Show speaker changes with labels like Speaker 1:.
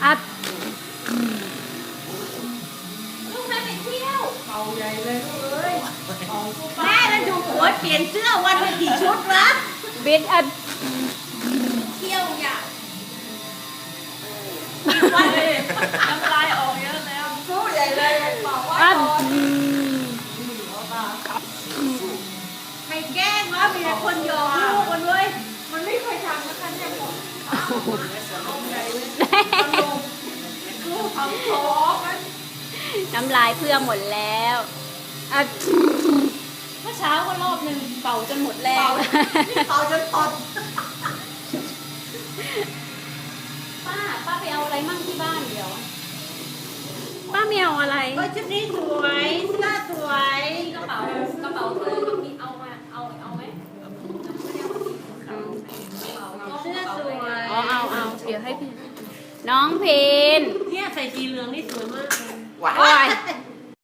Speaker 1: อัด
Speaker 2: ลูกแม่ไปเที่ยว
Speaker 3: เป่าใหญ่เลยลูกเอ้ยเป่าสู้ป้า
Speaker 2: แม่แล้วดูหัวเปลี่ยนเสื้อวันละกี่ชุดวะ
Speaker 1: บิดอัด
Speaker 2: เที่ยวอย่าง
Speaker 3: วันเลยน้ำลายออกเยอะแล้วสู้ใหญ่เลยเป่าว่า
Speaker 1: อัด
Speaker 3: ก่อน
Speaker 2: ใครแกล้งวะมีแต่คนหยอกลูกมันเว้ย
Speaker 3: มันไม่เคยทำนะคะเนี่ยผมเอาใหญ่เลยลูกทำโชว์มัน
Speaker 1: น้ำลายเพื่อหมดแล้วอัด
Speaker 2: เมื่อเช้าก็รอบหนึ่งเป่าจนหมดแรง
Speaker 3: เป่าจนตด
Speaker 2: ป้าไปเอาอะไรมั่งที่บ้านเดี๋ยว
Speaker 1: ป้าเมียวอะไร
Speaker 2: ก็ชุดนี้สวยเสื้อสวย
Speaker 4: กระเป๋าเธอก็มีเอาไหม
Speaker 2: เสื้อสวย
Speaker 1: เอาเดี๋ยวให้พี่น้องเพน
Speaker 2: เนี่ยใส่สีเหลืองนี่สวย